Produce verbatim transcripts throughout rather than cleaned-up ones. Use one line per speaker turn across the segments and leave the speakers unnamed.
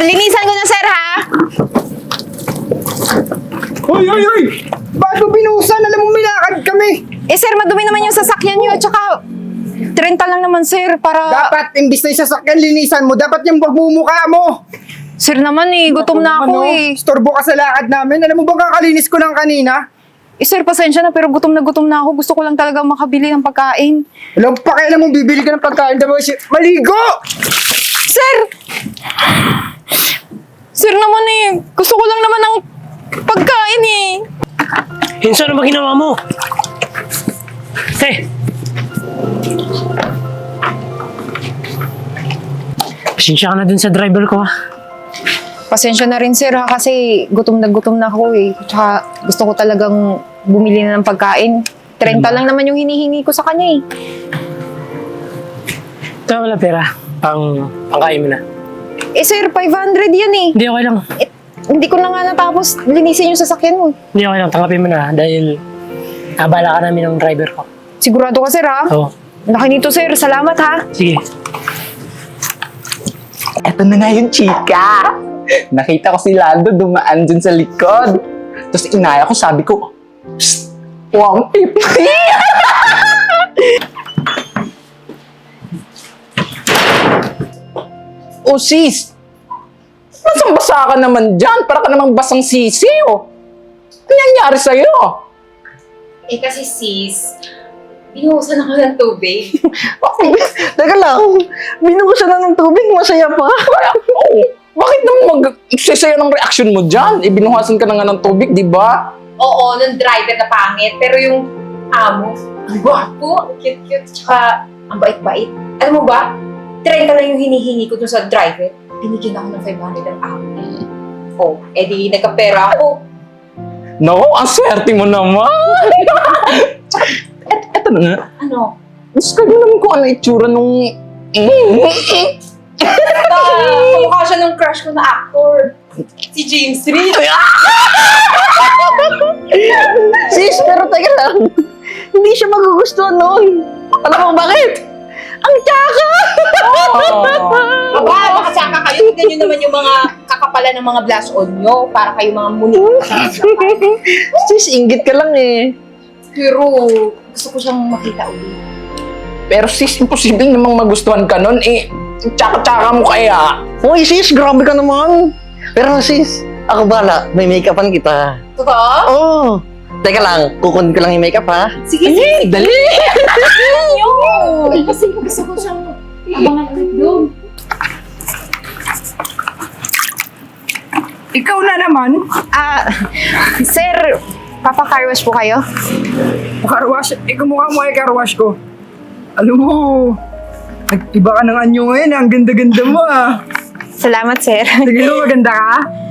linisan ko na, sir, ha?
Hoy, hoy, hoy! Ba't mo binuhusan? Alam mo, milakad kami.
Eh, sir, madumi naman yung sasakyan nyo. Tsaka, trenta lang naman, sir, para...
Dapat, imbis na yung sasakyan, linisan mo. Dapat yung pagmumukha mo.
Sir naman eh, gutom na ako
Ano,
eh.
Storbo ka sa lakad namin. Alam mo bang kakalinis ko lang kanina?
Eh, sir, pasensya na, pero gutom na gutom na ako. Gusto ko lang talaga makabili ng pagkain.
Alam mo, pakialam mo, bibili ka ng pagkain. Dapat siya, maligo!
Sir! Sir naman eh, gusto ko lang naman ng pagkain eh.
Hinso, ano ba ginawa mo? Te! Pasensya ka na dun sa driver ko, ha?
Pasensya na rin, sir, ha, kasi gutom na gutom na ako eh. Tsaka gusto ko talagang bumili na ng pagkain. trenta lang naman yung hinihingi ko sa kanya eh.
Ito, wala pera. Pang, pangkain mo na.
Eh, sir, five hundred yan eh.
Hindi, okay lang.
Eh, hindi ko na nga natapos linisin yung sasakyan mo.
Hindi, okay lang. Tanggapin mo na dahil nabala ka namin ng driver ko.
Sigurado ka, sir, ha?
Oo.
Laki nito, sir. Salamat, ha?
Sige.
Eto na nga yung chika. Nakita ko si Lando dumaan dun sa likod. Tapos inaya ko, sabi ko, Psst! one fifty! Oh sis! Basang-basa ka naman dyan. Para ka namang basang sisi, oh. Ano nangyari sa'yo?
Eh kasi sis, binuhusan ako ng tubig.
Teka lang, binuhusan na ng tubig, masaya pa. Oo. Bakit naman mag-sasaya ng reaction mo dyan? Ibinuhasan ka na nga ng tubig, di ba?
Oo, nung driver na pangit, pero yung amo, ang gwapo, ang cute-cute, tsaka ang bait-bait. Alam mo ba, trenta lang yung hinihingi ko dun sa driver. Binigyan ako ng five hundred ang amo. Oh, edi nagkapera ako.
No, ang swerte mo naman. Et, eto na nga.
Ano?
Gusto ko naman kung ano itsura nung...
Ah, kamukha siya ng crush ko na actor. Si James Reid.
Sis, pero teka lang. Hindi siya magugustuhan noon. Alam mo bakit? Ang tsaka!
Aba, nakasaka kayo. Tignan nyo naman yung mga kakapalan ng mga blush on nyo para kayo mga muni.
Sis, inggit ka lang eh.
Pero gusto ko siyang makita ulit.
Pero sis, imposible namang magustuhan ka nun eh. Tsaka-tsaka mo kaya. Uy sis, grabe ka naman. Pero sis, ako bala, may make-upan kita.
Totoo?
Oo. Oh, teka lang, kukunin ko lang yung make-up ha.
Sige, sige.
Dali!
Yun! Kasi gusto ko siyang abangan ulit doon.
Ikaw na naman.
Ah, sir, papa-car wash po kayo?
Karwash, eh kumukha mo ay karwash ko. Alam mo, nag-iba ka ng anyo ngayon. Ang ganda-ganda mo ah.
Salamat, sir.
Sige mo, maganda ka?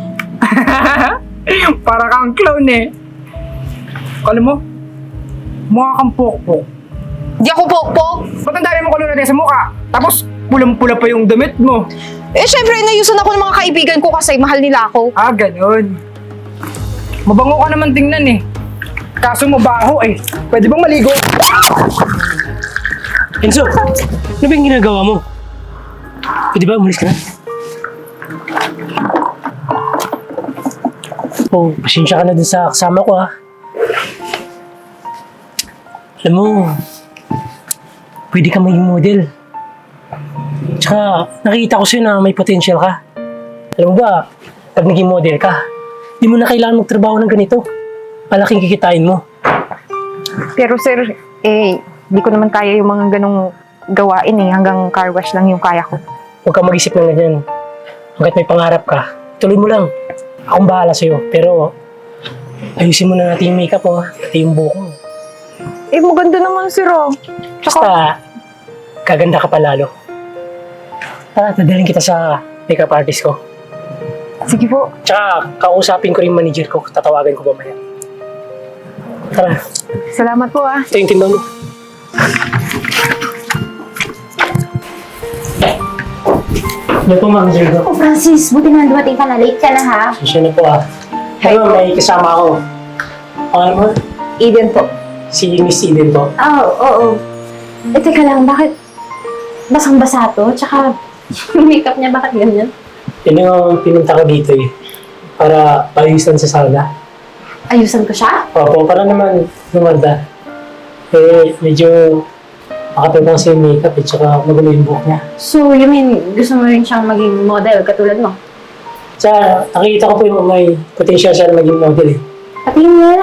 Para kang clown eh. Alam mo, mukha kang pokpok.
Di ako pokpok.
Ba't ang dami mo kulong natin sa mukha? Tapos, pulang-pula pa yung damit mo.
Eh, syempre, inayusan ako ng mga kaibigan ko kasi mahal nila ako.
Ah, ganun. Mabango ka naman tingnan eh. Kaso mabaho eh. Pwede bang maligo?
Hinso, ano ba yung ginagawa mo? Pwede ba umalis ka na? Oh, pasensya ka na dun sa kasama ko, ha? Alam mo, pwede ka maging model. Tsaka, nakita ko sa'yo na may potential ka. Alam mo ba, pag naging model ka, di mo na kailangan magtrabaho ng ganito. Malaking kikitain mo.
Pero sir, eh, di ko naman kaya yung mga ganong gawain eh. Hanggang car wash lang yung kaya ko.
Huwag kang mag-isip ng ganyan. Hanggat may pangarap ka, tuloy mo lang. Akong bahala sa'yo. Pero, ayusin mo na natin yung makeup mo, pati yung buhok mo.
Eh, maganda naman sir oh.
Basta, kaganda ka pa lalo. Tara, dadalhin kita sa makeup artist ko.
Sige po.
Tsaka, kausapin ko rin yung manager ko. Tatawagan ko mamaya. Tara,
Salamat po ah.
ito yung timba mo. Ano po, manager ko?
Oh, Francis, buti na dumating ka na. Late ka na, ha?
Pasensya na po, ah. Ano, may kasama ako. Ano mo?
Eden po.
Si Miss Eden po.
Oo, oh, oo. Eh, teka lang, bakit basang-basa to? Tsaka, yung makeup niya, bakit ganyan?
Yun yung pinunta ko dito eh. Para paayusan sa sala.
Ayusan ko siya?
Opo, para naman lumanda. Eh, medyo makatibang sa yung makeup at saka magulo yung buhok niya.
So, you mean, gusto mo rin siyang maging model katulad mo?
Tsaka, nakikita ko po yung may potential siya na maging model eh.
Patingin nga.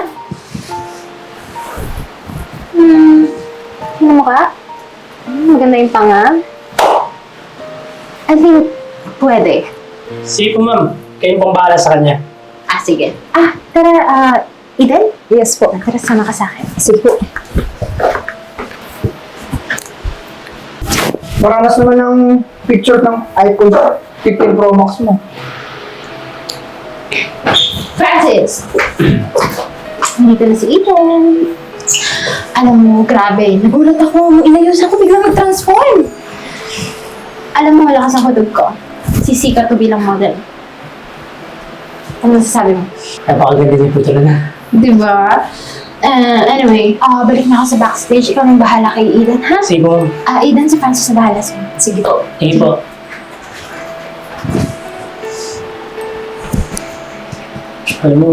Hmm, ano mo ka? Hmm, maganda yung panga. I think, pwede.
Sige po ma'am, kayo pong bahala sa kanya.
Ah, sige. Ah, tara, ah, Eden?
Yes po.
Tara, sama ka sa akin.
Sige po.
Maranas naman ng picture ng iPhone fifteen Pro Max mo.
Francis! Nandito na si Eden. Alam mo, grabe. Nagulat ako. Inayusan ko biglang mag-transform. Alam mo, malakas ang hudog ko. Sisikat ko bilang model. Ano masasabi mo?
Napakaganda din po talaga.
Diba? Uh, anyway, ah balik na ako sa backstage. Ikaw nang bahala kay Eden, ha?
Sige po ma'am.
Ah, Eden, si Francis na bahala sa'yo.
Sige po.
Sige po. Alam mo,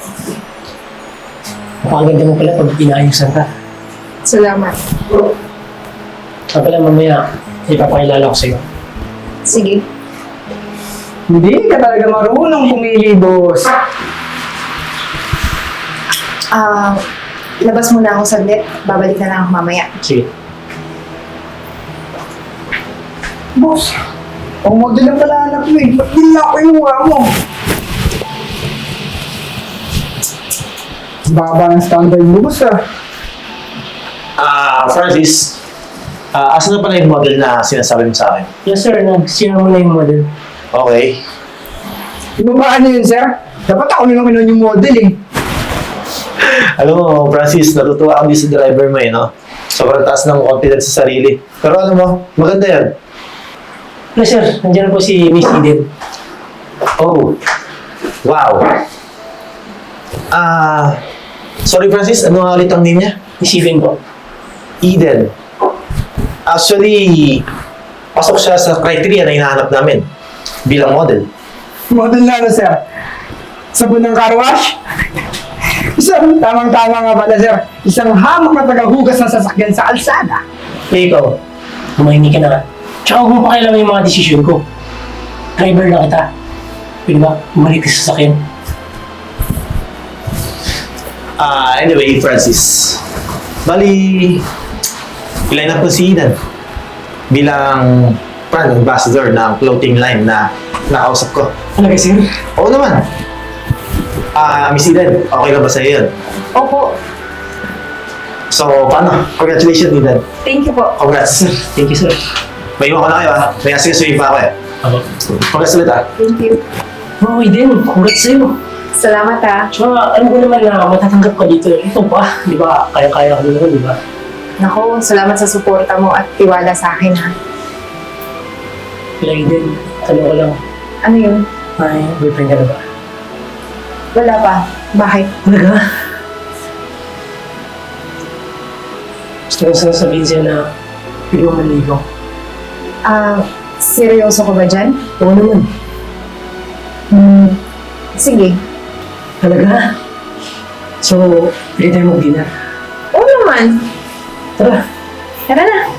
napakaganda mo pala pag inaayusan ka.
Salamat.
Saka pala mamaya, ipapakilala ko sa'yo.
Sige.
Hindi ka talaga marunong pumili, boss.
Ah, labas muna ako saglit. Babalik na lang ako mamaya.
Sige.
Boss, ang model lang pala anak mo eh. Ba't din na ako yung mukha mo? Baba ng standard mo, boss ah.
Ah, Francis, ah, asan na pala yung model na sinasabi mo sa akin?
Yes sir, nag-share mo na yung model.
Okay.
Ibabaan niyo yun, sir? Dapat ako na lang kinuha yung model eh.
Alam mo, Francis, natutuwa ako din sa driver mo eh, no? Sobrang taas ng confidence sa sarili. Pero alam mo, maganda yan.
Hello sir, nandiyan na po si Miss Eden.
Oh, wow. Ah, sorry Francis, ano nga ulit ang name niya?
Miss Eden po.
Eden. Actually, pasok siya sa criteria na hinahanap namin bilang model.
Model na ano, sir? Sabon ng car wash? Isang tamang-tama nga pala, sir. Isang hamak na tagahugas ng sasakyan sa kalsada.
Eh ikaw, humahingi ka na nga. Tsaka huwag mo pakialaman yung mga desisyon ko. Driver na kita. Pwede ba, bumalik ka sa sasakyan?
Ah, anyway, Francis. Bali, iline up ko si Eden bilang brand ambassador ng clothing line na nakausap ko.
Talaga sir?
Oo naman. Ah, Miss Eden, okay lang ba sa'yo yun?
Opo.
So, paano? Congratulations, Eden.
Thank you po.
Congrats.
Thank you sir.
May iwan ko na kayo, ha? May asikasuhin pa ako, eh.
Ako.
Congrats ulit, ha?
Thank you.
Oo, Eden, congrats sa'yo.
Salamat ah.
Tsaka alam ko naman na matatanggap ka dito. Ito ba? Di ba? Kaya-kaya ko naman, di ba?
Nako, salamat sa suporta mo at tiwala sa akin ha.
Kaya Eden, tanong ko lang,
Ano yun?
may boyfriend ka na ba?
Wala pa. Bakit?
Talaga? Gusto ko sana sabihin sa'yo na pwede mo manligaw.
Ah, seryoso ka ba dyan?
Oo naman.
Hmm. Sige.
Talaga? So, pwede tayo mag-dinner.
Oo naman.
Tara.
Tara na.